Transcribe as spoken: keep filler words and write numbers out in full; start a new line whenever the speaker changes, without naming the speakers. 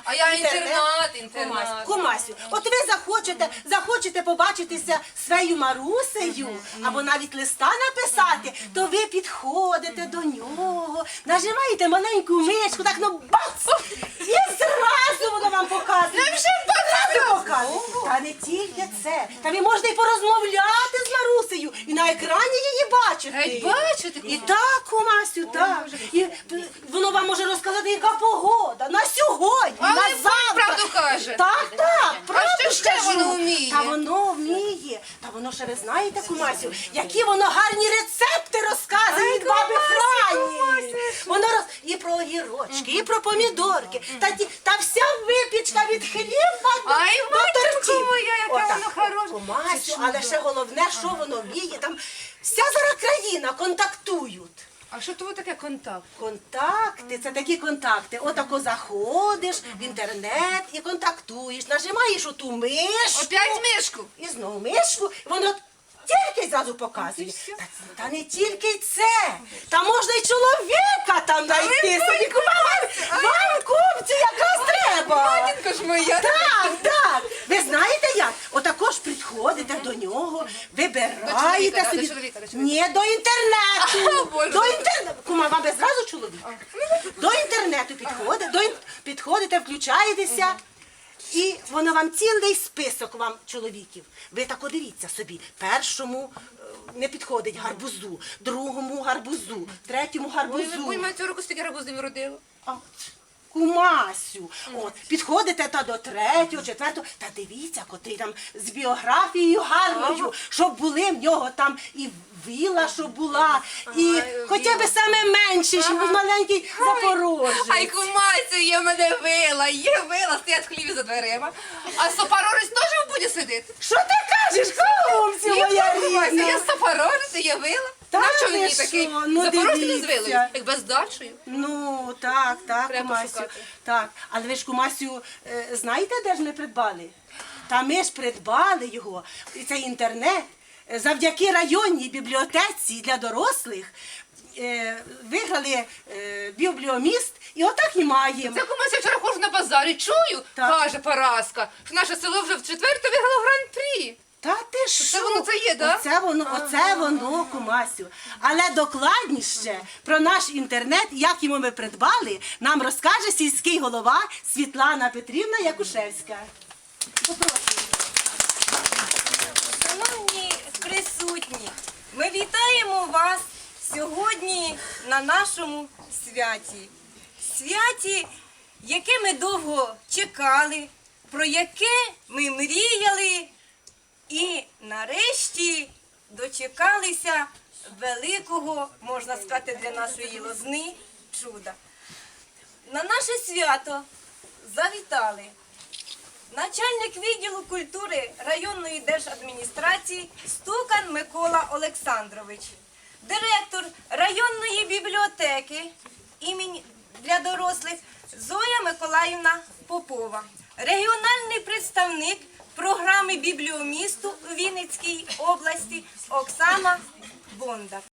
А я інтернат, інтернат.
Кумасю, от ви захочете, захочете побачитися з своєю Марусею, або навіть листа написати, то ви підходите до нього, нажимаєте маленьку мишку, так ну бац! І зразу воно вам показує.
Нам ще
Зразу показує. Та не тільки це. Та ви можете і порозмовляти з Марусею, і на екрані її бачити.
Геть бачите?
І так, кумасю, так. І п- воно вам може розказати, яка погода на сьогодні,
Але
на
ви
завтра.
правду каже.
Так, так, правду
що ще
кажу.
воно вміє?
Та воно вміє. Та воно ще ви знаєте, кумасю, які воно гарні рецепти розказує від баби Франі. Воно роз... і про огірочки, і про помідорки, та, ті... та вся випічка від хліба до,
Ай,
до
матінко
тортів.
моя, яке
Отак.
воно хороше.
Кумасю, але ще головне, що воно вміє. Там вся зараз країна контактують.
А що то таке контакт?
Контакти, це такі контакти. Отако заходиш в інтернет і контактуєш, нажимаєш оту мишку.
Опять мишку?
І знову мишку, і воно тільки зразу показує. Та, та не тільки це. Та можна й чоловіка там знайти собі. Вам, вам купці якраз треба.
Матінко ж моя.
Так, так. Ви знаєте як? Отако ж підходите до нього, вибираєте
чоловіка,
собі.
до чоловіка, до чоловіка.
Ні, до інтернету.
А, Боже.
До інтернету. Кума, вам без зразу чоловік? До інтернету підходите, до ін- підходите, включаєтеся. І воно вам цілий список вам чоловіків. Ви так дивіться собі. Першому е, не підходить гарбузу, другому гарбузу, третьому
Ой, ви
гарбузу.
поймаєте руку, стільки гарбузів родило.
А, Кумасю, от, підходите та до третього, четвертого, та дивіться, котрий там з біографією гарною, щоб були в нього там і віла, щоб була, і
Ага,
хоча б саме менше, щоб був маленький Запорожець.
Ай, кумайцю, є в мене вила, є вила, стоять хлібі за дверима. А сопорорець теж в буді сидить?
Що ти кажеш, кумцю моя
Кумайцю,
рідна?
є сопорорець, є вила.
Та
На чому
ви
мені
що?
такий?
Ну,
Запорожець не з
дивіться.
вилою, як бездачею.
Ну, так, так,
Треба
Кумасю.
шукати.
Так, але ви ж, Кумасю, е, знаєте, де ж ми придбали? Та ми ж придбали його, і цей інтернет, е, завдяки районній бібліотеці для дорослих, е, виграли е, бібліоміст, і отак і маємо.
Це кумася вчора ходжу на базарі, чую,
Так.
каже Параска, що наше село вже в четверте виграло гран-прі.
Та ти що?
воно це є, да?
Оце воно, оце воно, Кумасю. Але докладніше про наш інтернет, як його ми придбали, нам розкаже сільський голова Світлана Петрівна Якушевська. Попрошу.
Шановні присутні, ми вітаємо вас сьогодні на нашому святі. Святі, яке ми довго чекали, про яке ми мріяли і нарешті дочекалися великого, можна сказати, для нашої Лозни чуда. На наше свято завітали начальник відділу культури районної держадміністрації Стукан Микола Олександрович, директор районної бібліотеки імені для дорослих Зоя Миколаївна Попова, регіональний представник програми бібліомісту у Вінницькій області Оксана Бондар.